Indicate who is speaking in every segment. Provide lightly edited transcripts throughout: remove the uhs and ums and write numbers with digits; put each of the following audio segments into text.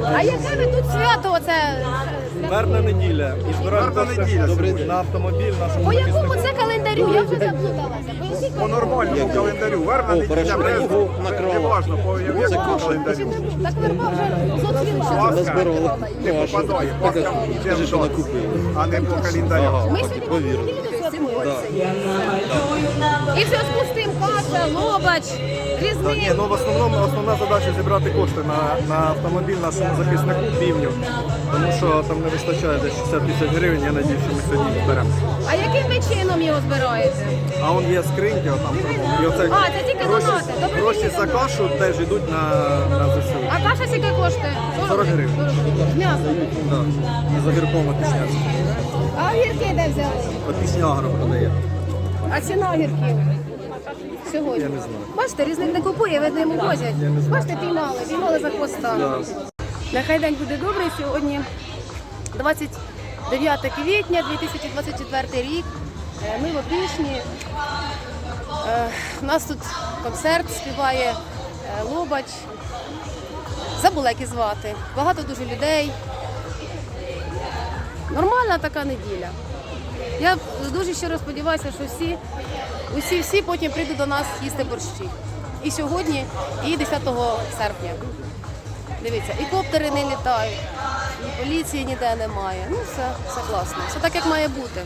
Speaker 1: А яке ви тут свято оце?
Speaker 2: Вербна неділя. І збираємо кошти на автомобіль нашому
Speaker 1: По якому
Speaker 2: захиснику.
Speaker 1: це календарю? Я вже заплуталася. Поясніть,
Speaker 3: По нормальному календарю. Вербна неділя, неважно, по якому календарю.
Speaker 1: так верба вже зоцвіла.
Speaker 3: Пасха не попадає, Пасха йде в дом, а не по календарю.
Speaker 1: Ми сьогодні неділю святкуємо. І в зв'язку з тим каша, лобач, різник.
Speaker 2: Ні, ну в основному основна задача зібрати кошти на автомобіль нашому захиснику півню. Тому що там не вистачає десь 60 тисяч гривень, я надію, що ми сьогодні їх зберемо.
Speaker 1: А яким ви чином його збираєте?
Speaker 2: А он є скриньки, отам. І оце
Speaker 1: А, це тільки донати. Добре,
Speaker 2: гроші
Speaker 1: тільки
Speaker 2: за
Speaker 1: донати.
Speaker 2: кашу теж йдуть на ЗСУ.
Speaker 1: А каша скільки коштує?
Speaker 2: 40 гривень.
Speaker 1: З м'ясом.
Speaker 2: Так, і за гірком опішняться.
Speaker 1: А огірки де взяли?
Speaker 2: Опішня агро продає.
Speaker 1: А ціна огірків? Сьогодні.
Speaker 2: Я не знаю.
Speaker 1: Бачите, різник не купує, видно, йому возять. Бачите, піймали за хвоста. Нехай день буде добрий. Сьогодні 29 квітня 2024 рік. Ми в Опішні. У нас тут концерт співає Лобач. Забула, як і звати. Багато дуже людей. Нормальна така неділя. Я дуже щиро сподіваюся, що всі потім прийдуть до нас їсти борщі. І сьогодні, і 10 серпня. Дивіться, і коптери не літають, і поліції ніде немає. Ну, все класно. Все так, як має бути.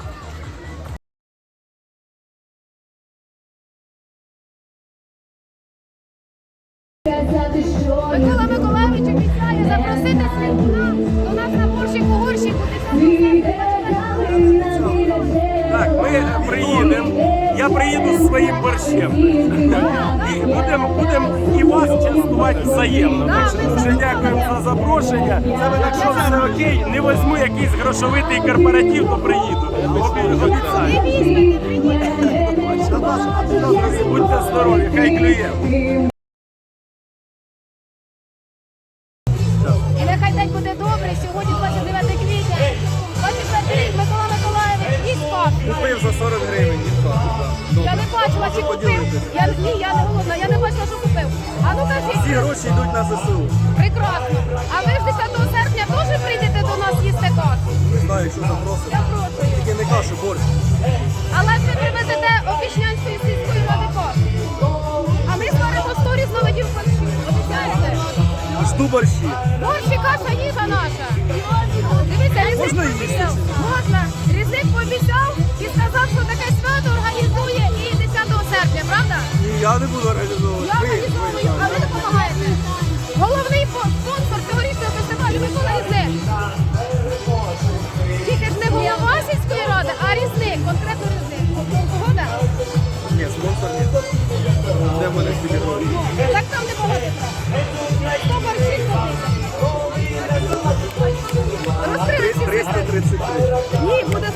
Speaker 1: Микола Миколайович обіцяє запросити святуна до нас на борщик у горщику.
Speaker 4: Так, ми приїдемо. Я приїду зі своїм борщем. І будемо і вас частувати взаємно. Так що дуже дякуємо за запрошення. Якщо все окей, не візьму якийсь грошовитий корпоратив, то приїду. Обіцяю. Будьте здорові, хай клює.
Speaker 1: І нехай день буде добрий. Сьогодні 29 квітня. 24 рік Микола Миколайович і спати.
Speaker 2: Купив за 40 гривень.
Speaker 1: Я не бачила, чи купив. Я не голодна, я не бачила, що купив. А ну
Speaker 2: Всі
Speaker 1: кажіть,
Speaker 2: гроші йдуть на ЗСУ.
Speaker 1: прекрасно. А ви ж 10 серпня теж прийдете до нас їсти кашу?
Speaker 2: Не знаю, якщо запросить.
Speaker 1: Я прошу.
Speaker 2: Тільки не кашу, борщ.
Speaker 1: Але ж ви привезете Опішнянської сільської ради кашу. А ми створимо сторіс на видів борщів. Обіцяєте?
Speaker 2: Жду борщі.
Speaker 1: Борщ і каша їжа наша. Дивіться, різник
Speaker 2: Можна їсти?
Speaker 1: пообіцяв. Можна. Різник пообіцяв і сказав, що таке свято організує і 10 серпня, правда?
Speaker 2: І я не буду організовувати.
Speaker 1: Я організовую, а ви допомагаєте. Головний спонсор цьогорічного фестивалю Микола Різник. Тільки ж не голова сільської ради, а Різник, конкретно Різник. Погода?
Speaker 2: Ні, спонсор ні. Де в мене стільки грошей?
Speaker 1: Так там не погодиться. 100 борщів купити. Розкрили всі
Speaker 2: 333.
Speaker 1: Ні, буде